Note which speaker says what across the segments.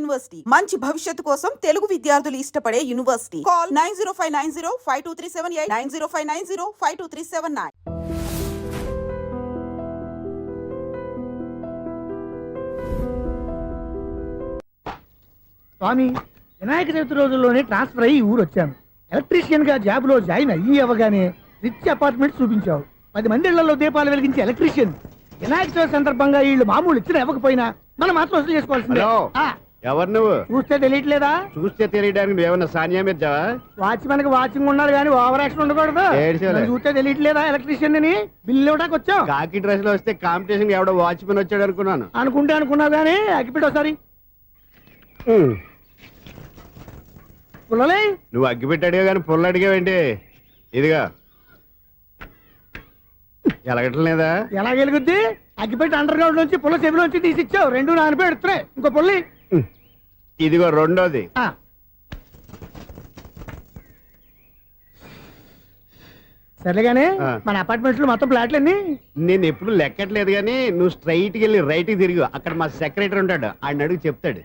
Speaker 1: University మంచి భవిష్యత్తు కోసం తెలుగు విద్యార్థులు ఇష్టపడే యూనివర్సిటీ. కాల్ 9059052378 9059052379.
Speaker 2: స్వామి, వినాయక చవితి రోజుల్లోనే ట్రాన్స్ఫర్ అయ్యి ఊరు వచ్చాను. ఎలక్ట్రీషియన్ గా జాబ్ లో జాయిన్ అయ్యి అవ్వగానే రిచ్ అపార్ట్మెంట్ చూపించావు. 10 మంది ఇళ్లలో దీపాలు వెలిగించే ఎలక్ట్రీషియన్. వినాయక చవితి సందర్భంగా వీళ్ళు మామూలు ఇచ్చిన ఇవ్వకపోయినా మనం మాత్రం వసూలు చేసుకోవాల్సిందే.
Speaker 3: ఎవరు నువ్వు?
Speaker 2: చూస్తే తెలియట్లేదా?
Speaker 3: చూస్తే తెలియడానికి నువ్వేమన్నా సానియా మీర్జావా?
Speaker 2: వాచ్మెన్ కి వాచింగ్ ఉండాలి కానీ ఓవర్ యాక్షన్ ఉండకూడదు. చూస్తే తెలియట్లేదా ఎలక్ట్రీషియన్ అని? బిల్లు ఇవ్వడానికి వచ్చావు.
Speaker 3: కాకి డ్రెస్ లో వస్తే కాంపిటీషన్ ఎవడో వాచ్మెన్ వచ్చాడు అనుకున్నాను.
Speaker 2: అనుకున్నావు కానీ అగ్గిపెట్టి ఒకసారి పుల్లలే.
Speaker 3: నువ్వు అగ్గిపెట్టి అడిగా కానీ పుల్ల అడిగావేంటి? ఇదిగా ఎలగటం లేదా?
Speaker 2: ఎలా వెలుగుద్ది? అగ్గిపెట్టి అండర్ గ్రౌండ్ నుంచి పుల్ల చెవిలోంచి తీసిచ్చావు. 2 నానపై ఎడుతున్నాయి. ఇంకో పుల్లి
Speaker 3: ఇదిగో రెండోది.
Speaker 2: సరేగానే మన అపార్ట్మెంట్స్ లో మొత్తం ఫ్లాట్లు అన్ని
Speaker 3: నేను ఎప్పుడు లెక్కట్లేదు కానీ నువ్వు స్ట్రైట్ కి వెళ్ళి రైట్ కి తిరిగి అక్కడ మా సెక్రటరీ ఉంటాడు, ఆయన అడుగు చెప్తాడు.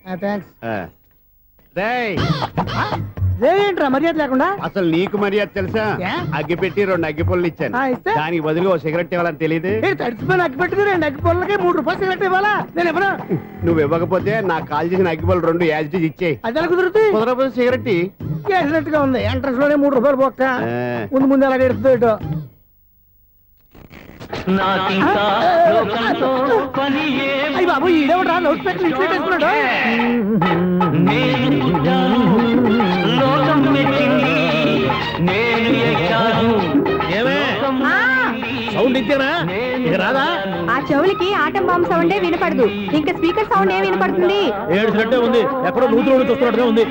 Speaker 2: ఏంట్రా మర్యాద లేకుండా?
Speaker 3: అసలు నీకు మర్యాద తెలుసా? అగ్గి పెట్టి 2 అగ్గి పుల్లలు ఇచ్చాను, దానికి బదులు ఓ సిగరెట్ ఇవ్వాలని తెలియదు.
Speaker 2: తడిచిపోయిన అగ్గి పెట్టి 2 అగ్గి పుల్లలకి 3 రూపాయలు సిగరెట్ ఇవ్వాలా? నేను ఎవరు?
Speaker 3: నువ్వు ఇవ్వకపోతే నాకు కాల్ చేసిన అగ్గి పుల్లలు 2 యాజిటీస్ ఇచ్చేయి.
Speaker 2: అది ఎలా కుదురుతుంది?
Speaker 3: కుదరకపోతే సిగరెట్
Speaker 2: వేసినట్టుగా ఉంది. ఎంట్రన్స్ లోనే 3 రూపాయలు పోక్క. ముందు ఎలా ఎడుతుంది? అయ్యి బాబు, ఈడేవడా లౌడ్ స్పీకర్ ఇన్స్టేట్ వేసుకున్నాడు? సౌండ్ ఇచ్చానా? ఇక రాదా?
Speaker 4: ఆ చెవులకి ఆటం బాంబు సౌండే వినపడదు, ఇంకా స్పీకర్ సౌండ్ ఏ వినపడుతుంది?
Speaker 2: ఏడ్చినట్టే ఉంది. ఎక్కడో నూతులు చూస్తున్నట్టుగా ఉంది.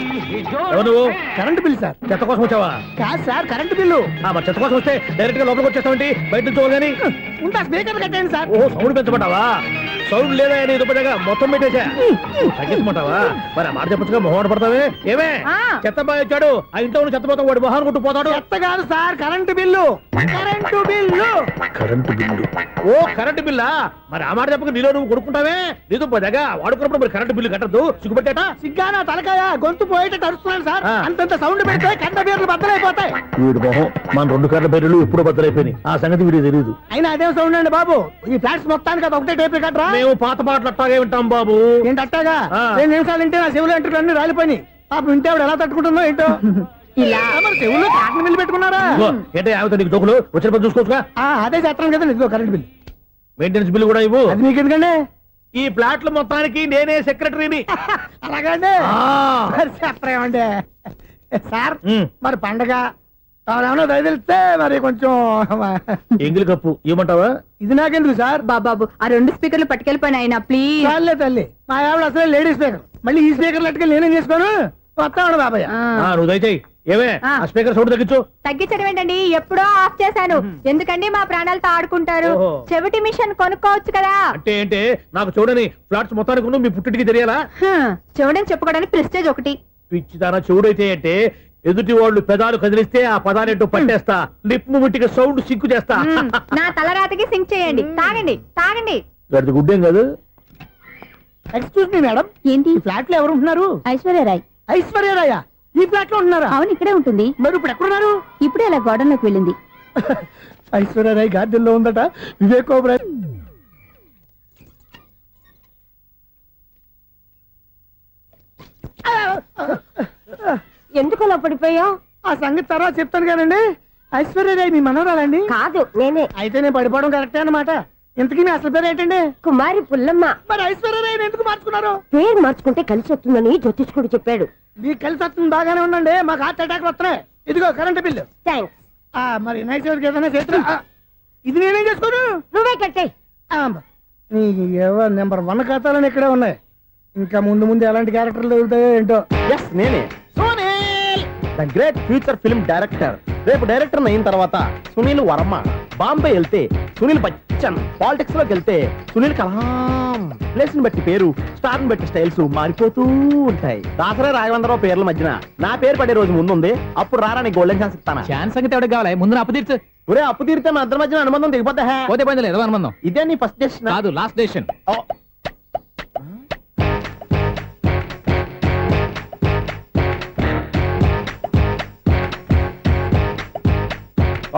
Speaker 2: నువ్వు కరెంట్ బిల్ సార్? చెత్త కోసం వచ్చావా? కాదు సార్, కరెంట్ బిల్లు. మరి చెత్త కోసం వస్తే డైరెక్ట్ గా లోపలికి వచ్చేస్తామంటే బయట నుంచి కానీ ఉంటా. స్పీకర్ కట్టండి సార్. ఓ సౌండ్ పెంచమంటావా? సౌండ్ లేదా నీ దుప్పటగా మొత్తం పెట్టేసా. తగ్గించమంటావా? మరి ఆ మాట చెప్పచ్చుగా మొహమాట పడతావే. ఏమే చెత్త బాగా వచ్చాడు, ఆ ఇంట్లో చెత్త పోతాం, వాడు మొహాన్ని కొట్టు పోతాడు. చెత్త కాదు sir, current bill. Current bill. Current bill. ఓ కరెంటు బిల్లా? మరి ఆ మాట చెప్పక నీలో నువ్వు కొడుకుంటావే. నీతో పోదాగా వాడుకున్నప్పుడు మరి కరెంటు బిల్లు కట్టద్దు. సిగ్గుపెట్టాట? సిగ్గానా తలకాయ? గొంతు పోయేటట్టు అరుస్తున్నాను సార్. అంతంత సౌండ్ పెడితే కంట బీర్లు బద్దలైపోతాయి. వీడు మొహం మన 2 కర్ర బీర్లు ఎప్పుడో బద్దలైపోయినాయి. ఆ సంగతి వీడికి తెలియదు. అయినా అదే సౌండ్ అండి బాబు. ఈ ఫ్లాట్స్ మొత్తానికి అది ఒకటే టేప్ కట్టరా? మేము పాత పాటలు అట్టాగే వింటాం బాబు. ఏంటి అట్టాగా? 2 నిమిషాలు వింటే నా చెవులు ఎంటర్ అన్ని రాలిపోయి. పాపం వింటే ఆవిడ ఎలా తట్టుకుంటుందో ఏంటో. ఇలా మరి చెవుల్లో కాటన్ బిల్లు పెట్టుకున్నారా? ఏంటో ఆమెతో నీకు దోకులు వచ్చిన పని చూసుకోవచ్చుగా. అదే చేస్తాను కదా. ఇదిగో కరెంట్ బిల్, మెయింటెనెన్స్ బిల్లు కూడా ఇవ్వు. అది మీకు ఎందుకండి? ఈ ఫ్లాట్ల మొత్తానికి నేనే సెక్రటరీని. అలాగండి. చెప్పరేమండి సార్? మరి పండగ ఏమన్నా దయదలిస్తే మరి కొంచెం ఎంగిలి కప్పు ఇవ్వమంటావా? ఇది నాకెందుకు సార్?
Speaker 4: బాబాబు, ఆ 2 స్పీకర్లు పట్టుకెళ్ళిపోయిన ఆయన ప్లీజ్.
Speaker 2: చాలే తల్లి, మా ఆవిడ అసలే లేడీ స్పీకర్. మళ్ళీ ఈ స్పీకర్లు అట్టుకెళ్ళి నేనేం చేసుకోను? వస్తాడు బాబాయ్. నువ్వు దయచేయి. ఏమే ఆ స్పీకర్ సౌండ్ తగ్గించు.
Speaker 4: తగ్గించడం ఏంటండి? ఎప్పుడో ఆఫ్ చేశాను. ఎందుకండి మా ప్రాణాలతో ఆడుకుంటారు? చెవిటి మిషన్ కొనుక్కోవచ్చు కదా.
Speaker 2: అంటే ఏంటే నాకు చూడని ఫ్లాట్స్ మొత్తానికి మీ పుట్టింటికి తెలియాలా?
Speaker 4: చెవుడని చెప్పుకోవడానికి ప్రెస్టేజ్ ఒకటి.
Speaker 2: పిచ్చిదానా చెవుడైతే అంటే ఎదుటి వాళ్ళు పెదాలు కదిలిస్తే ఆ పదాలేంటో పట్టేస్తా. లిప్ ముట్టికి సౌండ్ సింకు చేస్తా.
Speaker 4: నా తలరాతకి సింక్ చేయండి. తాగండి తాగండి.
Speaker 2: గడిది గుడ్డేం కాదు. ఎక్స్క్యూజ్ మీ మేడం, ఏంటి ఫ్లాట్ లో ఎవరు ఉంటున్నారు?
Speaker 4: ఐశ్వర్యరాయ్.
Speaker 2: ఐశ్వర్యరాయ ఈ ఫ్లాట్ లో ఉంటున్నారా?
Speaker 4: అవును, ఇక్కడే ఉంటుంది.
Speaker 2: మరి ఇప్పుడు ఎక్కడున్నారు?
Speaker 4: ఇప్పుడే అలా గార్డెన్ లోకి వెళ్ళింది.
Speaker 2: ఐశ్వర్యరాయ్ గార్డెన్ లో ఉందట. వివేక్ ఓబరాయ్
Speaker 4: ఎందుకు అలా పడిపోయావు?
Speaker 2: ఆ సంగతి తర్వాత చెప్తాను కానండి. ఐశ్వర్యరాయ్ మీ మనవరాలండి?
Speaker 4: కాదు, నేనే.
Speaker 2: అయితే నేను పడిపోవడం కరెక్టే అన్నమాట. ఇంతకీ మీ అసలు పేరు ఏంటండి?
Speaker 4: కుమారి పుల్లమ్మ.
Speaker 2: మరి ఐశ్వర్యరాయ్ ఎందుకు మార్చుకున్నారు?
Speaker 4: పేరు మార్చుకుంటే కలిసి వస్తుందని జ్యోతిష్కుడు చెప్పాడు.
Speaker 2: మీకు కలిసి వస్తుంది, బాగానే ఉండండి. మాకు హార్ట్ అటాక్ వస్తున్నాయి. ఇదిగో కరెంట్ బిల్లు.
Speaker 4: థ్యాంక్స్.
Speaker 2: మరి నైట్ చోటుకి ఏదైనా చేతున్నా ఇది నేనేం చేసుకోను?
Speaker 4: నువ్వే కట్టాయి.
Speaker 2: నెంబర్ 1 ఖాతాలని ఇక్కడే ఉన్నాయి. ఇంకా ముందు ముందు ఎలాంటి క్యారెక్టర్లు దొరుకుతాయో ఏంటో.
Speaker 5: నేనే Sunil, the great future film director. రేపు డైరెక్టర్ అయిన తర్వాత సునీల్ వర్మ. బాంబే వెళ్తే సునీల్ బచ్చన్, పాలిటిక్స్ లోకి వెళ్తే సునీల్ కలాం. ప్లేస్ ని బట్టి పేరు, స్టార్ ని బట్టి స్టైల్స్ మారిపోతూ ఉంటాయి. దాసరా రాఘవేంద్రరావు పేర్ల మధ్యన నా పేరు పడే రోజు ముందుంది. అప్పుడు రారా నీ గోల్డెన్ ఛాన్స్ ఇస్తానా?
Speaker 6: ఛాన్స్ సంగతి ఎవరికి కావాలి? ముందు అప్పు తీర్చు.
Speaker 5: ఒరే అప్పు తీరితే మన ఇద్దరి మధ్యన అనుబంధం దిగిపోతా.
Speaker 6: పోతే పని లేదు అనుబంధం.
Speaker 5: ఇదే నీ ఫస్ట్ డెసిషన్
Speaker 6: కాదు, లాస్ట్ డెసిషన్.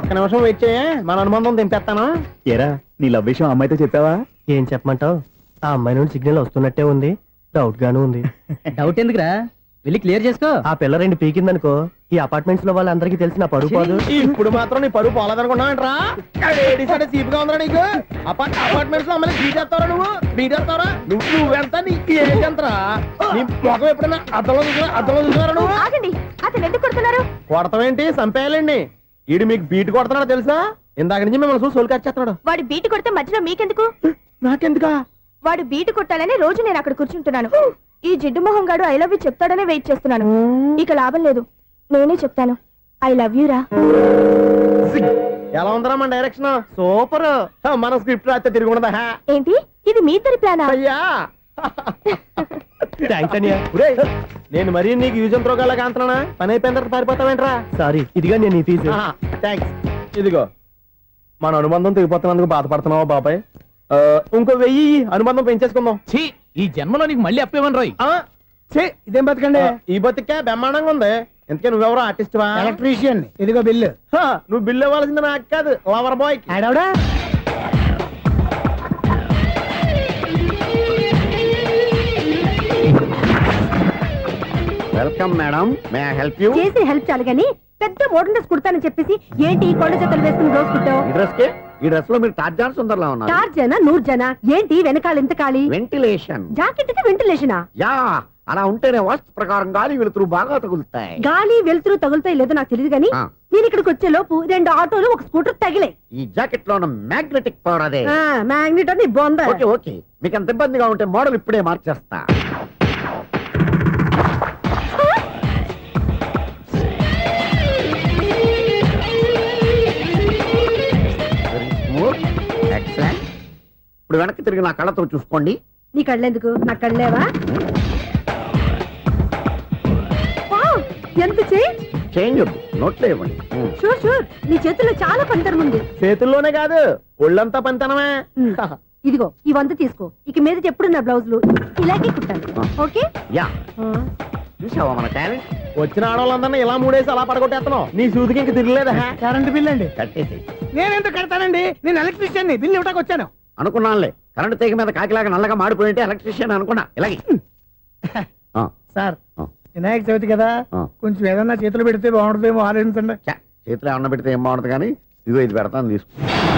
Speaker 5: ఒక్క నిమిషం వెయిట్ చేయ మన అనుబంధం తెంపేస్తాను.
Speaker 2: ఏరా నీ లవ్ విషయం అమ్మాయితో చెప్పావా?
Speaker 5: ఏం చెప్పమంటావు? ఆ అమ్మాయి నుండి సిగ్నల్ వస్తున్నట్టే ఉంది, డౌట్ గాను ఉంది.
Speaker 6: డౌట్ ఎందుకురా, వెళ్ళి క్లియర్ చేసుకో.
Speaker 5: ఆ పిల్ల రెండు పీకిందనుకో, ఈ అపార్ట్మెంట్స్ లో వాళ్ళందరికీ తెలిసిన పరుగు పోదు. ఇప్పుడు మాత్రం నీ పరుగు పోలేదనుకున్నావంటరా? సీపుగా ఉందా నీకు? అపార్ట్మెంట్స్ లో అమ్మని బీటేస్తావరా నువ్వెంత నీకు ఏంటంతరా? నీ మొఖం ఎప్పుడైనా అద్దంలో చూసారా నువ్వు?
Speaker 4: ఆగండి, అతను ఎందుకు కొడుతున్నారు?
Speaker 5: కొడతావేంటి? చంపేయాలండి. ఈడు మీకు బీట్ కొడుతున్నాడు తెలుసా? ఇందాక నుంచి మిమ్మల్ని చూసి సోలు కచ్చేస్తున్నాడు.
Speaker 4: వాడు బీటు కొడితే మధ్యలో మీకెందుకు?
Speaker 5: నాకెందుకా?
Speaker 4: వాడు బీటు కొట్టాలని రోజు నేను అక్కడ కూర్చుంటున్నాను. ఈ జిడ్డు మొహం గాడు ఐ లవ్ యూ చెప్తాడనే వెయిట్ చేస్తున్నాను. ఇక లాభం లేదు, నేనే చెప్తాను ఐ లవ్ యూ రా.
Speaker 5: ఎలా ఉందరా మన డైరెక్షన్? సూపర్. మన స్క్రిప్ట్ రాస్తే తిరిగి ఉండదా?
Speaker 4: ఏంటి ఇది మీ ఇద్దరి ప్లానా?
Speaker 5: అయ్యా థ్యాంక్స్ అనియా. నేను మరీ నీకు యూజ్ ఎంతో గలగా అంటున్నా. పని అయిపోయిన తర్వాత పారిపోతావేంట్రా? సారీ, ఇదిగా నేను ఈ ఫీజు. థ్యాంక్స్. ఇదిగో మన అనుబంధం తెగిపోతున్నందుకు బాధపడుతున్నావా బాబాయ్? ఇంకో 1000 అనుబంధం పెంచేసుకుందాం.
Speaker 6: ఛీ, ఈ జన్మలో నీకు మళ్ళీ అప్పేవన్ రాయ్.
Speaker 5: ఇదేం బతకండి? ఈ బతికే బ్రహ్మాండంగా ఉంది. ఎందుకే నువ్వెవరో ఆర్టిస్ట్ వా?
Speaker 2: ఎలక్ట్రీషియన్. ఇదిగో బిల్లు.
Speaker 5: నువ్వు బిల్లు ఇవ్వాల్సింది నాకు కాదు, లవర్ బాయ్.
Speaker 2: ఆడవడా?
Speaker 3: Welcome madam, may I help you?
Speaker 4: చేసి హెల్ప్ చాలు గాని పెద్ద మోడల్ డ్రెస్ కుడతానని చెప్పేసి ఏంటి ఈ కొండ జతలు వేసుకుని రోజు కుట్టావు?
Speaker 3: ఈ డ్రెస్ కే, ఈ డ్రెస్ లో మీరు టార్జాన్ సుందర్లా ఉన్నారు.
Speaker 4: 4 జన 100 జన ఏంటి వెనకాల ఎంత ఖాళీ?
Speaker 3: వెంటిలేషన్.
Speaker 4: జాకెట్ కి వెంటిలేషనా?
Speaker 3: యా, అలా ఉంటేనే వాస్తు ప్రకారం గాలి వెలుతురు బాగా తగులుతాయి.
Speaker 4: గాలి వెలుతురు తగులుతాయి లేదో నాకు తెలియదు గానీ
Speaker 3: ఆ.
Speaker 4: నేను ఇక్కడికి వచ్చే లోపు 2 ఆటోలు ఒక స్కూటర్ తగిలే.
Speaker 3: ఈ జాకెట్ లో ఉన్న మ్యాగ్నెటిక్ పవర్ అదే.
Speaker 4: మ్యాగ్నెట్ అని బొంద.
Speaker 3: ఓకే ఓకే, మీకు అంత ఇబ్బందిగా ఉంటే మోడల్ ఇప్పుడే మార్చేస్తా. ఎక్సలెంట్. ఇప్పుడు వెనక్కి తిరిగి నా కళ్ళతో చూసుకోండి.
Speaker 4: నీ కళ్ళెందుకు, నా కళ్ళేవా? వావ్, ఎంత చేంజ్.
Speaker 3: చేంజ్ నోట్లో ఇవ్వండి.
Speaker 4: షూర్ షూర్, నీ చేతుల్లో చాలా పంతరం ఉంది.
Speaker 5: చేతుల్లోనే కాదు, ఒళ్ళంతా పంతనమే.
Speaker 4: ఇదిగో ఈ 100 తీసుకో. ఇక మీద ఎప్పుడు నా బ్లౌజులు ఇలాగే కుట్టాను. ఓకే?
Speaker 3: యా, చూసావా మన టాలెంట్?
Speaker 5: వచ్చిన ఆడవాళ్ళందరినీ ఇలా మూడేసి అలా పడగొట్టేస్తున్నావు. నీ సూదికి ఇంక తిరగలేదా?
Speaker 2: కరెంట్ బిల్ అండి.
Speaker 3: కట్టేసి.
Speaker 2: నేనెందుకు కడతానండి? నేను ఎలక్ట్రీషియన్. బిల్ ఇవ్వడానికి వచ్చాను.
Speaker 3: అనుకున్నానులే, కరెంట్ తీగ మీద కాకిలాగా నల్లగా మాడిపోయింటే ఎలక్ట్రీషియన్ అనుకున్నా. ఇలాగే
Speaker 2: సార్, వినాయక చవితి కదా, కొంచెం ఏదన్నా చేతులు పెడితే బాగుంటుందేమో ఆలోచించండి.
Speaker 3: చేతిలో అన్న పెడితే ఏం బాగుంటుంది కానీ ఇదిగో ఇది పెడతాను, తీసుకో.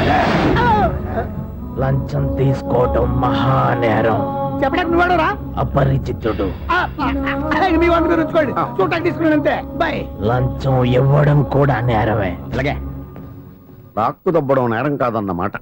Speaker 5: లంచం తీసుకోవటం మహానేరం.
Speaker 2: చెప్పడానికి నువ్వాడరా?
Speaker 5: అపరిచితుడు.
Speaker 2: మీ వంద మీరు ఉంచుకోండి, చూడటానికి తీసుకున్నాను అంతే. బాయ్.
Speaker 5: లంచం ఇవ్వడం కూడా నేరమే.
Speaker 3: ఇలాగే రాక్కు దబ్బడం నేరం కాదన్నమాట.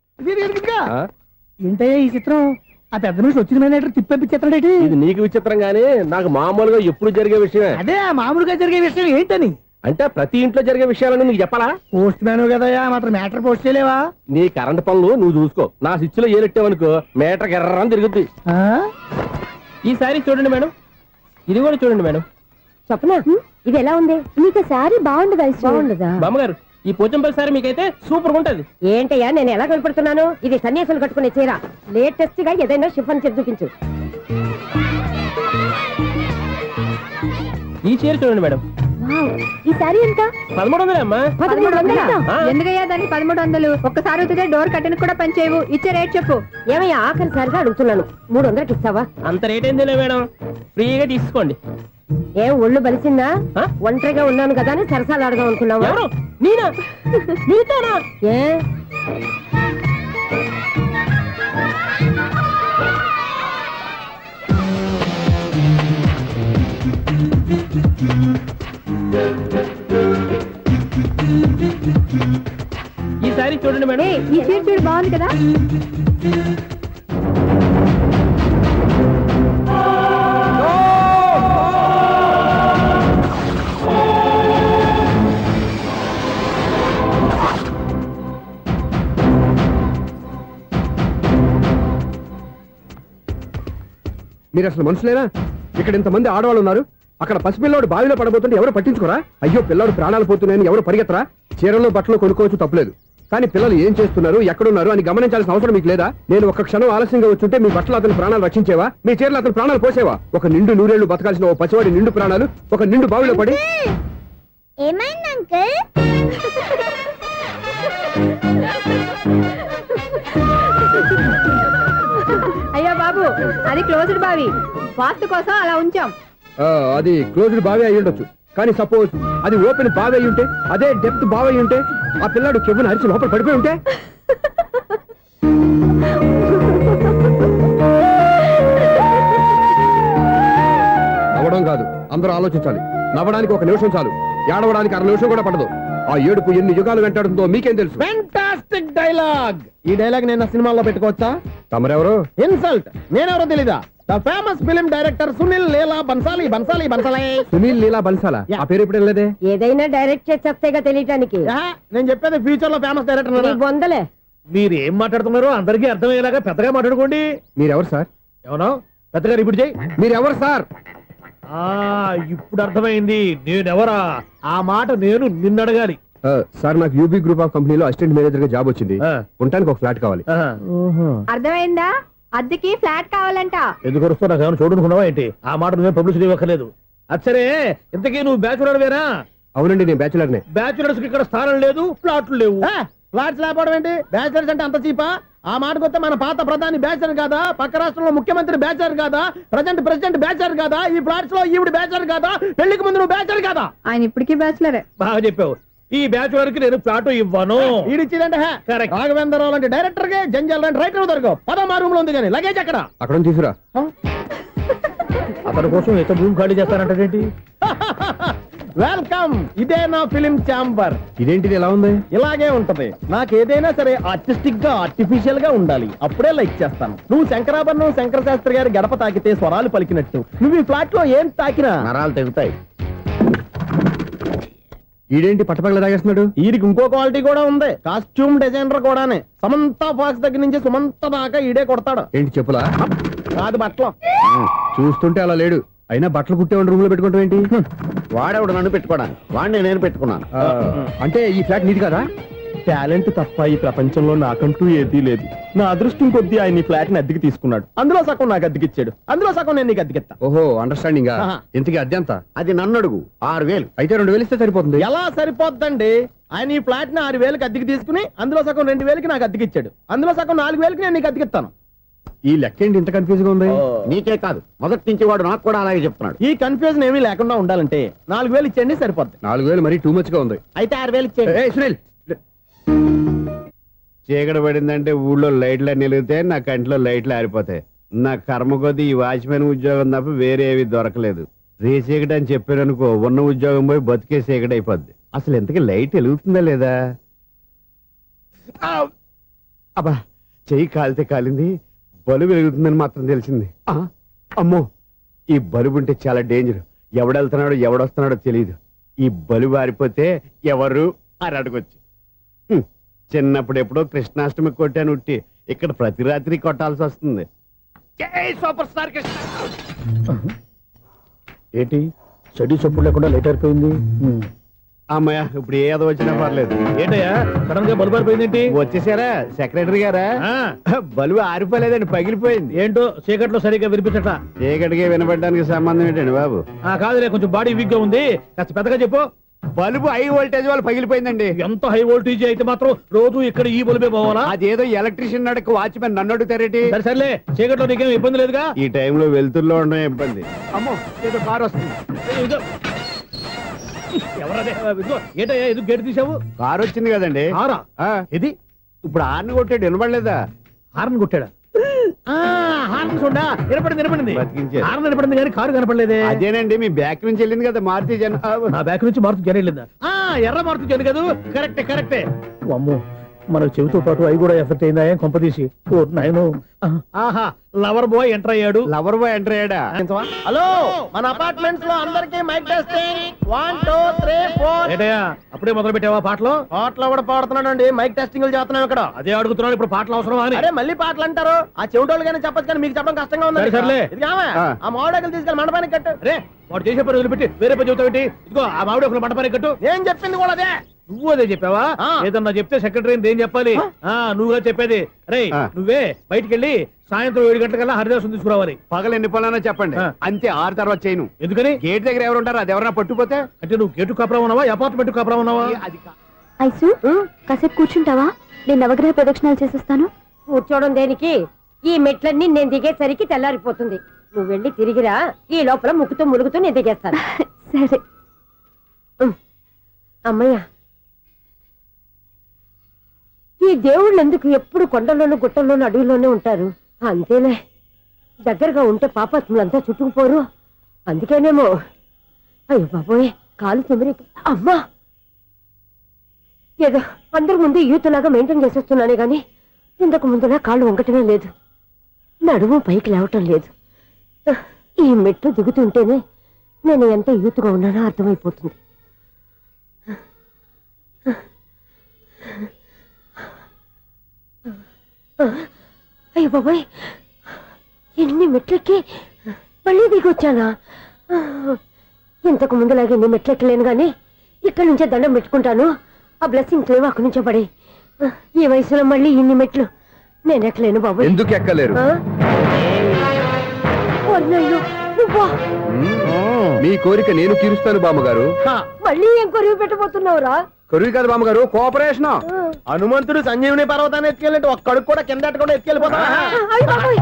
Speaker 2: ఏంటయ్యా ఈ చిత్రం? ఆ పెద్ద నుంచి వచ్చిన మేనేటర్ తిప్పించేస్తాడేటి?
Speaker 5: ఇది నీకు విచిత్రం గానీ నాకు మామూలుగా ఎప్పుడు జరిగే విషయమే.
Speaker 2: అదే మామూలుగా జరిగే విషయం ఏంటని?
Speaker 5: అంటే ప్రతి ఇంట్లో జరిగే విషయాలను నీకు చెప్పాలా?
Speaker 2: పోస్ట్ మ్యాన్ కదయ్యా, మాత్రం మ్యాటర్ పోస్ట్ చేయలేవా?
Speaker 5: నీ కరెంట్ పనులు నువ్వు చూసుకో. నా స్విచ్ లో ఏలెట్టావనుకో మీటర్ ఎర్రని తిరుగుద్ది. ఈసారి చూడండి మేడం, ఇది కూడా చూడండి మేడం.
Speaker 4: చెప్పనా, ఇది ఎలా ఉంది? నీకు సారీ బాగుండదా? బాగుండదా?
Speaker 5: బామ్మగారు, ఈ పోచంపల్లి సారీ మీకైతే సూపర్ ఉంటుంది.
Speaker 4: ఏంటయ్యా నేను ఎలా కనపడుతున్నాను? ఇది సన్యాసులు కట్టుకునే చీర. లేటెస్ట్ గా ఏదైనా షిఫన్ చేసి చూపించు.
Speaker 5: ఈ చీర చూడండి మేడం.
Speaker 4: ఈ సారీ ఎంత?
Speaker 5: 1300 అమ్మా.
Speaker 4: 1300? ఎందుకయ్యా దానికి 1300? ఒక్కసారి వచ్చితే డోర్ కట్టెన్ కూడా పనిచేయవు. ఇచ్చే రేట్ చెప్పు. ఏమయ్యా ఆఖరిసారిగా అడుగుతున్నాను, 300కి ఇస్తావా?
Speaker 5: అంత రేట్ ఏంది మేడం, ఫ్రీగా తీసుకోండి.
Speaker 4: ఏం ఒళ్ళు బలిసిందా? ఒంటరిగా ఉన్నాను కదా అని సరసాలు అడదాం అనుకున్నావా?
Speaker 5: ఎవరు? నేనా? నీతోనా?
Speaker 4: ఏ
Speaker 5: ఈ సారీ చూడండి మేడం.
Speaker 4: ఈ చీర చూడు, బాగుంది కదా?
Speaker 7: మీరు అసలు మనుషులేనా? ఇక్కడ ఇంతమంది ఆడవాళ్ళు ఉన్నారు, అక్కడ పసిపిల్లాడు బావిలో పడబోతుంటే ఎవరు పట్టించుకోరా? అయ్యో పిల్లాడు ప్రాణాలు పోతున్నాయని ఎవరు పరిగెత్తరా? చీరలు బట్టలు కొనుక్కోవచ్చు, తప్పులేదు. కానీ పిల్లలు ఏం చేస్తున్నారు, ఎక్కడున్నారు అని గమనించాల్సిన అవసరం మీకు లేదా? నేను ఒక్క క్షణం ఆలస్యంగా వచ్చుంటే మీ బట్టలు అతని ప్రాణాలు రక్షించేవా? మీ చీరలు అతని ప్రాణాలు పోసేవా? ఒక నిండు 100 ఏళ్లు బతకాల్సిన ఓ పసివాడి నిండు ప్రాణాలు ఒక నిండు బావిలో పడి.
Speaker 4: ఏమైంది అంకుల్? అయ్యో బాబు అది క్లోజ్డ్ బావి వాస్తు కోసం అలా ఉంచాం.
Speaker 7: అది క్లోజ్డ్ బావి అయి ఉండొచ్చు, కానీ సపోజ్ అది ఓపెన్ బావి అయి ఉంటే, అదే డెప్త్ బావి అయి ఉంటే, ఆ పిల్లాడు కెవ్వున అరిచి లోపల పడిపోయి ఉంటే, నవ్వడం కాదు, అందరూ ఆలోచించాలి. నవ్వడానికి 1 నిమిషం చాలు, ఏడవడానికి 1/2 నిమిషం కూడా పడదు. ఆ ఏడుపు ఎన్ని యుగాలు వెంటాడుతుందో మీకేం తెలుసు?
Speaker 5: Fantastic dialogue. ఈ డైలాగ్ నేను సినిమాలో పెట్టుకోవచ్చా?
Speaker 7: తమరెవరు?
Speaker 5: ఇన్సల్ట్. నేనెవరో తెలీదా? The famous film director Sunil Leela Bhansali. Bhansali Bhansali
Speaker 7: Sunil Leela బన్సాలా? ఆ పేరు ఇప్పుడు లేదే.
Speaker 8: ఏదైనా డైరెక్ట్ చేసేస్తేగా తెలియటానికి.
Speaker 5: నేను చెప్పేది ఫ్యూచర్ లో ఫేమస్ డైరెక్టర్.
Speaker 8: బొందలే.
Speaker 2: మీరు ఏం మాట్లాడుతున్నారో అందరికీ అర్థమయ్యేలాగా పెద్దగా మాట్లాడుకోండి.
Speaker 7: మీరెవరు సార్?
Speaker 2: ఏమన్నా పెద్దగా రిపీట్ చేయి.
Speaker 7: మీరెవరు సార్?
Speaker 2: ఇప్పుడు అర్థమైంది నేనెవరా. ఆ మాట నేను నిన్ను అడగాలి.
Speaker 7: సార్, నాకు యూబీ గ్రూప్ ఆఫ్ కంపెనీలో అసిస్టెంట్ మేనేజర్ గా జాబ్ వచ్చింది. ఉండడానికి ఒక ఫ్లాట్ కావాలి.
Speaker 4: అర్థమైందా? అద్దెకి ఫ్లాట్ కావాలంట.
Speaker 2: ఎందుకు వస్తావు? నాకు ఏమైనా చూడనుకున్నావా ఏంటి? ఆ మాట నువ్వే పబ్లిసిటీ ఇవ్వక్కర్లేదు. అచ్చరే, ఇంతకీ నువ్వు బ్యాచులర్ వేరా?
Speaker 7: అవునండి, నేను బ్యాచులర్నే.
Speaker 2: బ్యాచులర్స్ కి ఇక్కడ స్థానం లేదు, ప్లాట్లు లేవు.
Speaker 5: ఫ్లాట్స్ లేకపోవడం ఏంటి? బ్యాచిలర్స్ అంటే అంత చీపా? ఆ మాటకొస్తే మన పాత ప్రధాని బ్యాచర్ కాదా? పక్క రాష్ట్రంలో ముఖ్యమంత్రి బ్యాచర్ కాదా? ప్రెసిడెంట్ బ్యాచర్ కాదా? ఈ ఫ్లాట్స్ లో ఈవిడ బ్యాచర్ కాదా? పెళ్లికి ముందు నువ్వు బ్యాచర్ కాదా?
Speaker 4: ఆయన ఇప్పటికీ బ్యాచులరే.
Speaker 2: బాగా చెప్పావు. ఈ బ్యాచులర్ కి నేను ఫ్లాట్ ఇవ్వను.
Speaker 5: ఈడిచ్చిందంటే
Speaker 2: Correct.
Speaker 5: రాఘవేంద్రరావు లాంటి డైరెక్టర్ గా జంజల్ లాంటి రైటర్ దొరకవు. పదమా రూమ్ లో ఉంది కానీ లగేజ్ అక్కడ.
Speaker 7: అక్కడ నుంచి తీసుకురా.
Speaker 2: అతని కోసం ఎంత భూమి ఖాళీ చేస్తానంటేంటి?
Speaker 5: వెల్కమ్. ఇదే నా ఫిలిం ఛాంబర్.
Speaker 7: ఇదేంటిది ఎలా ఉంది?
Speaker 5: ఇలాగే ఉంటది. నాకు ఏదైనా సరే ఆర్టిస్టిక్ గా ఆర్టిఫిషియల్ గా ఉండాలి, అప్పుడే లైక్ చేస్తాను. నువ్వు శంకరాభరణం శంకర శాస్త్రి గారి గడప తాకితే స్వరాలు పలికినట్టు నువ్వు ఈ ఫ్లాట్ లో ఏం తాకినా
Speaker 3: నరాలు తెగుతాయి.
Speaker 7: ఈడేంటి పట్టపగల తాగేస్తున్నాడు?
Speaker 5: వీరికి ఇంకో క్వాలిటీ కూడా ఉంది. కాస్ట్యూమ్ డిజైనర్ కూడానే. సమంత ఫాక్స్ దగ్గర నుంచి సుమంత దాకా ఈడే కొడతాడు.
Speaker 7: ఏంటి చెప్పులా?
Speaker 5: కాదు బట్టలు.
Speaker 7: చూస్తుంటే అలా లేడు. అయినా బట్టలు కుట్టేవాడి రూమ్ లో పెట్టుకుంటాం ఏంటి?
Speaker 3: వాడేవాడు నన్ను పెట్టుకోవడానికి, వాడిని నేను పెట్టుకున్నాను.
Speaker 7: అంటే ఈ ఫ్లాట్ నీది కదా?
Speaker 5: టాలెంట్ తప్ప ఈ ప్రపంచంలో నాకంటూ ఏదీ లేదు. నా అదృష్టం కొద్దీ ఆయన ఈ ఫ్లాట్ ని అద్దెకి తీసుకున్నాడు. అందులో సగం నాకు అద్దెకిచ్చాడు, అందులో సగం నేను నీకు అద్దెకిస్తా.
Speaker 7: ఓహో, అండర్స్టాండింగ్.
Speaker 5: ఆహా.
Speaker 7: ఇంతకీ అద్దె ఎంత?
Speaker 3: అది నన్ను అడుగు. 6,000.
Speaker 7: అయితే 2,000 ఇస్తే సరిపోతుంది.
Speaker 5: ఎలా సరిపోద్దండి? ఆయన ఈ ఫ్లాట్ ని 6,000కి అద్దెకి తీసుకుని అందులో సగం 2,000కి నాకు అద్దెకిచ్చాడు, అందులో సగం 4,000కి నేను నీకు అద్దెకిస్తాను.
Speaker 7: ఈ లెక్క ఏంటి ఇంత కన్ఫ్యూజ్ గా ఉంది?
Speaker 3: నీకే కాదు, మొదటి నుంచి వాడు నాకు కూడా అలాగే చెప్తున్నాడు.
Speaker 5: ఈ కన్ఫ్యూజన్ ఏమీ లేకుండా ఉండాలంటే 4,000 ఇచ్చేయండి, సరిపోద్ది.
Speaker 7: 4,000 మరీ టూ మచ్ గా ఉంది.
Speaker 5: అయితే 6,000 ఇచ్చేయండి.
Speaker 7: ఏయ్, సునీల్,
Speaker 3: చీకటి పడిందంటే ఊళ్ళో లైట్లు నిలిగితే నా కంటిలో లైట్లు ఆరిపోతాయి. నా కర్మ కొద్దీ ఈ వాచ్మెన్ ఉద్యోగం తప్ప వేరే ఏవి దొరకలేదు. రేచీకటి అని చెప్పారనుకో, ఉన్న ఉద్యోగం పోయి బతికే చీకటి అయిపోద్ది. అసలు ఇంతకీ లైట్ వెలుగుతుందా లేదా? అబ్బా, చెయ్యి కాలితే కాలింది, బలుబు వెలుగుతుందని మాత్రం తెలిసింది. అమ్మో, ఈ బలుబు ఉంటే చాలా డేంజర్. ఎవడెళ్తున్నాడో ఎవడొస్తున్నాడో తెలియదు. ఈ బలుబు ఆరిపోతే ఎవరు అని అడగొచ్చు. చిన్నప్పుడు ఎప్పుడో కృష్ణాష్టమి కొట్టాను ఉట్టి, ఇక్కడ ప్రతి రాత్రి కొట్టాల్సి వస్తుంది. Super star Krishna.
Speaker 2: ఏంటి చెడు చెప్పుడు లేకుండా లేట్ అయిపోయింది?
Speaker 3: అమ్మయ్య, ఇప్పుడు ఏదో వచ్చినా పర్లేదు.
Speaker 2: ఏంటయ్యా సడన్ గా బల్బు అయిపోయింది?
Speaker 3: వచ్చేసారా సెక్రటరీ గారా? బలుబు ఆరిపోలేదండి, పగిలిపోయింది.
Speaker 2: ఏంటో చీకట్లో సరిగ్గా వినిపించట.
Speaker 3: చీకటికి వినపడడానికి సంబంధం ఏంటండి బాబు?
Speaker 2: కాదులే, కొంచెం బాడీ వీక్ గా ఉంది, కాస్త పెద్దగా చెప్పు.
Speaker 3: బల్బు హై వోల్టేజ్ వాళ్ళు పగిలిపోయిందండి.
Speaker 2: ఎంత హై వోల్టేజ్ అయితే మాత్రం రోజు ఇక్కడ ఈ బల్బే పోవాలా?
Speaker 3: అదేదో ఎలక్ట్రీషియన్ నడక వాచ్మెన్ నన్ను అడుగుతారేటి?
Speaker 2: సరే సర్లే, చీకట్లో నీకేం ఇబ్బంది లేదుగా?
Speaker 3: ఈ టైంలో వెళ్తుల్లో ఉండడం ఇబ్బంది. అమ్మో, ఏదో కారు వస్తుంది.
Speaker 2: ఇదిగో. ఎవరదే? ఇదిగో, ఏంటయ్యా ఎందుకు గేటు తీసావు?
Speaker 3: కారు వచ్చింది కదండి.
Speaker 2: కారా? ఇది
Speaker 3: ఇప్పుడు ఆర్ని కొట్టాడు, వినపడలేదా?
Speaker 2: హార్న్ కొట్టాడా? హార్న్ చూడా, వినపడింది.
Speaker 3: బతికించాడు.
Speaker 2: హార్న్ వినపడింది కానీ కారు కనపడలేదే.
Speaker 3: అదేనండి, మీ బ్యాక్ నుంచి వెళ్ళింది కదా మారుతి జన.
Speaker 2: నా బ్యాక్ నుంచి మారుతు జన వెళ్ళిందా? ఎర్ర మారుతు జన కదా? కరెక్టే. అమ్మో, మన చెవితో పాటు అవి కూడా ఎఫెక్ట్ అయిందా? ఏం కొంపదీసి? ఓ నాయనో. ఆహా, లవర్ బాయ్ ఎంటర్ అయ్యాడు.
Speaker 3: లవర్ బాయ్ ఎంటర్ అయ్యాడా?
Speaker 5: హలో, మన అపార్ట్మెంట్స్ లో అందరికీ మైక్ టెస్టింగ్. 1 2 3 4.
Speaker 2: ఏంటయ్యా అప్పుడే మొదలు పెట్టావా పాటలు?
Speaker 5: పాటలు కూడా పాడుతున్నాడు అండి, మైక్ టెస్టింగ్ చేస్తున్నాం ఇక్కడ.
Speaker 2: అదే అడుగుతున్నాడు, ఇప్పుడు పాటలు అవసరమా అని.
Speaker 5: అరే మళ్ళీ పాటలు అంటారు, ఆ చెవిటోళ్ళు కానీ చెప్పచ్చు కానీ మీకు చెప్పడం కష్టంగా ఉంది.
Speaker 2: సర్లే.
Speaker 5: ఇది కావా? ఆ మామిడాకులు తీసుకెళ్ళి మండపానికి కట్టు.
Speaker 2: రే, వాడు చేసే పని వదిలిపెట్టి వేరే పని చెబుతావు ఏంటి? ఇదిగో ఆ మామిడి ఒకరు మంటపానికి కట్టు.
Speaker 5: నేను చెప్పింది కూడా అదే.
Speaker 2: నువ్వు అదే చెప్పావా? ఏదన్నా చెప్తే సెక్రటరీ ఏం చెప్పాలి? నువ్వుగా చెప్పేది. రే, నువ్వే బయటికి వెళ్ళి సాయంత్రం 7 గంటలకల్లా హరిదాసం తీసుకురావాలి.
Speaker 3: పగలు ఎన్ని పనులన్నా చెప్పండి, అంతే. 6 తర్వాత చేయను.
Speaker 2: ఎందుకని?
Speaker 3: గేట్ దగ్గర ఎవరు ఉంటారు, అది ఎవరన్నా పట్టుపోతే.
Speaker 2: అంటే నువ్వు గేటు కాపురా ఉన్నావా, అపార్ట్మెంట్ కాపురా ఉన్నావా?
Speaker 3: అది
Speaker 4: ఐసు కాసేపు కూర్చుంటావా నేను నవగ్రహ ప్రదక్షిణాలు చేసేస్తాను.
Speaker 8: కూర్చోవడం దేనికి? ఈ మెట్లన్నీ నేను దిగేసరికి తెల్లారిపోతుంది. నువ్వు వెళ్ళి తిరిగిరా, ఈ లోపల ముక్కుతూ ములుగుతూ నేను దిగేస్తాను.
Speaker 4: సరే.
Speaker 8: అమ్మయ్య, ఈ దేవుళ్ళు ఎందుకు ఎప్పుడు కొండల్లోనూ గుట్టల్లోనూ అడవిలోనే ఉంటారు? అంతేలే, దగ్గరగా ఉంటే పాపాత్ములంతా చుట్టుకుపోరు. అందుకేనేమో. అయ్యో బాబోయ్, కాలు తిమిరి. అమ్మా, ఏదో అందరి ముందు యూత్లాగా మెయింటైన్ చేసేస్తున్నానే గాని ఇంతకు ముందులా కాళ్ళు వంకటమే లేదు, నడుము పైకి లేవటం లేదు. ఈ మెట్లు దిగుతుంటేనే నేను ఎంత యూత్గా ఉన్నానో అర్థమైపోతుంది. అయ్యో బాబాయ్, ఎన్ని మెట్లెక్కి మళ్ళీ దిగొచ్చానా? ఇంతకు ముందులాగే ఎన్ని మెట్లెక్కలేను గాని ఇక్కడి నుంచే దండం పెట్టుకుంటాను. ఆ బ్లెస్సింగ్స్ లేవు అక్కడి నుంచే పడి. ఈ వయసులో మళ్ళీ ఇన్ని మెట్లు నేను ఎక్కలేను బాబాయ్.
Speaker 7: ఎందుకు ఎక్కలేరు?
Speaker 8: అయ్యో, నువ్వా?
Speaker 7: మీ కోరిక నేను తీరుస్తాను బామ్మగారు.
Speaker 8: మళ్ళీ ఏం కొరివి పెట్టబోతున్నావురా?
Speaker 7: కొరువు కాదు బామ్మగారు, కోఆపరేషన్.
Speaker 5: హనుమంతుడు సంజీవుని పర్వతాన్ని ఎత్తుకెళ్ళి ఒక్కడికి కూడా కింద ఎట్టకుండా ఎత్తుకెళ్ళిపోతా.
Speaker 8: అయ్య బాబోయ్.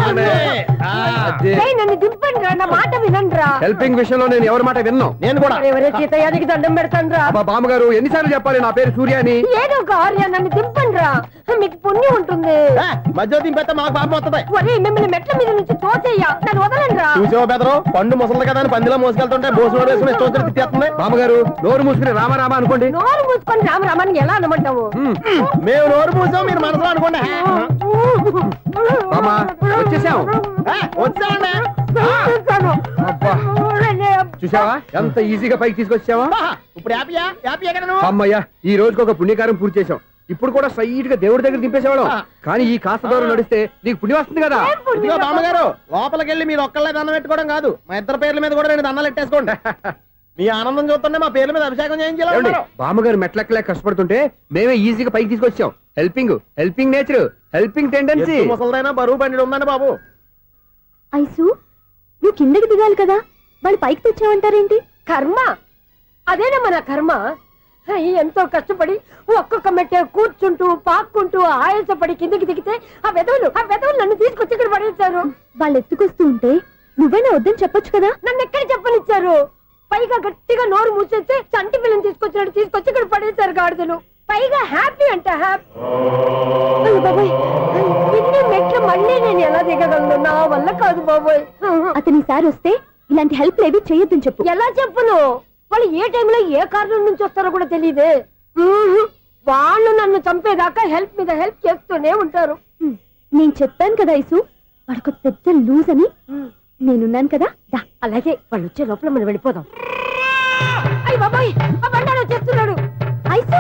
Speaker 8: ఏయ్, నన్ను దింపండి రా, నా మాట వినండి రా.
Speaker 7: హెల్పింగ్ విషయంలో నేను ఎవరి మాట విన్నాను.
Speaker 5: నేను కూడా.
Speaker 8: ఎవరే సీతయ్యానికి దండం పెడతాను రా.
Speaker 7: అబ్బా బామ్మగారు, ఎన్నిసార్లు చెప్పాలి నా పేరు సూర్య అని?
Speaker 8: ఏదో ఒక ఆర్య, నన్ను దింపండి రా, మీకు పుణ్యం ఉంటుంది.
Speaker 5: మధ్య దింపేస్తే మాకు పాపం వస్తుంది.
Speaker 8: ఒరే, మిమ్మల్ని మెట్ల మీద నుంచి తోసేయ్యా, నన్ను వదలండి రా.
Speaker 5: చూసావో బెదరు, పండు ముసలి కదా అని పందిలో మోసుకెళ్తుంటే బోసు వేసుకుని ఇష్టం తిట్టేస్తుంది.
Speaker 7: బామ్మగారు, నోరు మూసుకుని రామారామ అనుకోండి.
Speaker 8: నోరు మూసుకొని రామరామాన్ని ఎలా అనమంటావు?
Speaker 5: మేము నోరు మూసాం, మీరు మనసులో అనుకోండి.
Speaker 7: బామ్మ, వచ్చేసాం.
Speaker 5: వచ్చామండి.
Speaker 7: అబ్బా, చూసావా ఎంత ఈజీగా పైకి తీసుకొచ్చావా?
Speaker 5: ఇప్పుడు హ్యాపీయా? హ్యాపీయా కదా నువ్వు?
Speaker 7: అమ్మయ్యా, ఈ రోజుకి ఒక పుణ్యకారం పూర్తి చేసాం. ఇప్పుడు కూడా స్ట్రైట్ గా దేవుడి దగ్గర దింపేసేవాళ్ళం. కానీ ఈ కాస్త దూరం నడిస్తే నీకు పుణ్యం వస్తుంది కదా.
Speaker 5: ఇదిగో బామ్మగారు, లోపలికి వెళ్ళి మీరు ఒక్కళ్ళే దండం పెట్టుకోవడం కాదు, మా ఇద్దరు పేర్ల మీద కూడా 2 దండాలు ఎట్టేసుకోండి. మీ ఆనందం చూస్తుంటే మా పేర్ల మీద అభిషేకం చేయించాలి.
Speaker 7: బామ్మగారు మెట్లెక్కలే కష్టపడుతుంటే మేమే ఈజీగా పైకి తీసుకొచ్చాం. Helping nature, helping tendency.
Speaker 5: ముసలిదైనా బరువు బండి ఉందండి బాబు.
Speaker 4: ఐసు, నువ్వు కిందకి దిగాలి కదా, వాళ్ళు పైకి తెచ్చావంటారేంటి?
Speaker 8: కర్మ, అదేనమ్మా నా కర్మ. ఎంతో కష్టపడి ఒక్కొక్క మెట్టే కూర్చుంటూ పాక్కుంటూ ఆయాసపడి కిందకి దిగితే ఆ వెధవులు నన్ను తీసుకొచ్చి ఇక్కడ పడేశారు.
Speaker 4: వాళ్ళు ఎత్తుకొస్తూ ఉంటే నువ్వేనా వద్దని చెప్పొచ్చు కదా.
Speaker 8: నన్ను ఎక్కడ చెప్పనిచ్చారు? పైగా గట్టిగా నోరు మూసేస్తే చంటి పిల్లని తీసుకొచ్చినట్టు తీసుకొచ్చి ఇక్కడ పడేశారు గాడిదలు. పైగా హ్యాపీ అంట హ్యాపీ. బాబోయ్, ఇన్ని మెట్లు మళ్ళీ నేను ఎలా దిగగలను? నా వల్ల కాదు బాబోయ్.
Speaker 4: అతని సారి వస్తే ఇలాంటి హెల్ప్ లేవి చేయొద్దని చెప్పు.
Speaker 8: ఎలా చెప్పును? వాళ్ళు ఏ టైంలో ఏ కారణం నుంచి వస్తారో కూడా తెలియదే. వాళ్ళు నన్ను చంపేదాకా హెల్ప్ మీద హెల్ప్ చేస్తూనే ఉంటారు.
Speaker 4: నేను చెప్పాను కదా ఐసు, వాడికి పెద్ద లూజ్ అని. నేనున్నాను కదా, దా.
Speaker 8: అలాగే, వాళ్ళు వచ్చే లోపల మనం వెళ్ళిపోదాం. అయ్య బాబాయ్, ఆ బండారు వచ్చేస్తున్నాడు.
Speaker 4: Ice,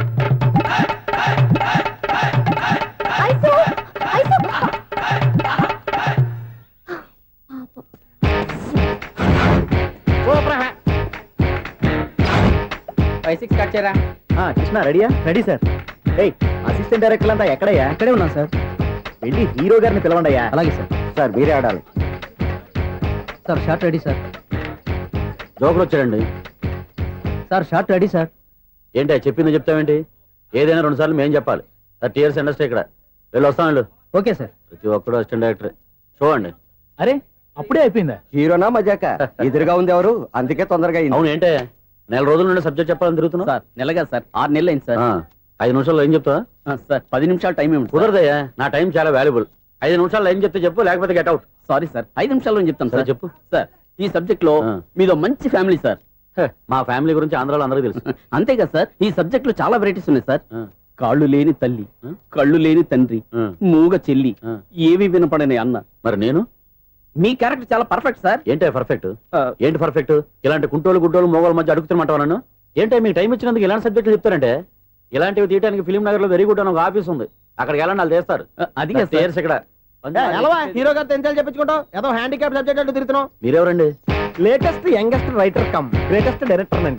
Speaker 4: ice, ice.
Speaker 6: 5-6 స్టార్ట్ చేయరా.
Speaker 5: కృష్ణ రెడీయా? Ready sir. అసిస్టెంట్ డైరెక్టర్ అంతా ఎక్కడయ్యా?
Speaker 6: ఇక్కడే ఉన్నాం సార్.
Speaker 5: వెళ్ళి హీరో గారిని పిలవండి అయ్యా.
Speaker 6: అలాగే సార్.
Speaker 5: సార్ మీరే ఆడాలి.
Speaker 6: Sir short ready sir.
Speaker 3: Joker వచ్చాడండి.
Speaker 6: Sir short ready sir.
Speaker 3: ఏంటి చెప్పింది చెప్తావేంటి? ఏదైనా 2 సార్లు మేం చెప్పాలి. 30 years ఇండస్ట్రీ ఇక్కడ. వెళ్ళి వస్తాం వెళ్ళు.
Speaker 6: Okay sir.
Speaker 3: ప్రతి ఒక్కడు అసిస్టెంట్ డైరెక్టర్. చూడండి.
Speaker 6: అరే, అప్పుడే అయిపోయిందా?
Speaker 5: హీరోనా మజాక? ఎదురుగా ఉంది ఎవరు, అందుకే తొందరగా అయింది.
Speaker 3: అవును, ఏంటే 4 రోజుల నుండి సబ్జెక్ట్ చెప్పాలని తిరుగుతున్నా?
Speaker 6: సార్ నెలగా సార్, 6 నెలలు అయింది సార్.
Speaker 3: 5 నిమిషాల్లో ఏం చెప్తా?
Speaker 6: సార్ 10 నిమిషాలు టైం ఏమి
Speaker 3: కుదరదయ్యా, నా టైం చాలా వాల్యుబుల్. 5 నిమిషాల్లో ఏం చెప్తే చెప్పు, లేకపోతే గెట్ అవుట్.
Speaker 6: సారీ సార్, 5 నిమిషాల్లో చెప్తాను సార్.
Speaker 3: చెప్పు.
Speaker 6: సార్, ఈ సబ్జెక్ట్ లో మీదో మంచి ఫ్యామిలీ సార్.
Speaker 3: మా ఫ్యామిలీ గురించి ఆంధ్రాలో అందరికీ తెలుసు.
Speaker 6: అంతేగా సార్, ఈ సబ్జెక్ట్ లో చాలా వెరైటీస్ ఉన్నాయి సార్. కాళ్ళు లేని తల్లి, కళ్ళు లేని తండ్రి, మూగ చెల్లి, ఏవి వినపడని అన్న.
Speaker 3: మరి నేను
Speaker 6: మీ క్యారెక్టర్ చాలా పర్ఫెక్ట్ సార్.
Speaker 3: ఏంటే పర్ఫెక్ట్? ఏంటి పర్ఫెక్ట్? ఇలాంటి కుంటోలు గుడ్డోలు మోగోళ్ళ మధ్య అడుగుతున్నమాట నన్ను. ఏంటంటే మీకు టైం ఇచ్చినందుకు ఇలాంటి సబ్జెక్టులు చెప్తారంటే? ఇలాంటివి తీయడానికి ఫిలిం నగర్ లో వెరీ గుడ్ అని ఒక ఆఫీస్ ఉంది, అక్కడికి వెళ్ళండి, వాళ్ళు చేస్తారు.
Speaker 6: అది
Speaker 3: ఇక్కడ
Speaker 5: హీరో గారితో ఎంత చెప్పించుకుంటావు? ఏదో హ్యాండిక్యాప్ సబ్జెక్ట్ అంటూ తిరుగుతున్నావు.
Speaker 3: మీరెవరండి?
Speaker 5: Latest youngest writer cum greatest director అండి.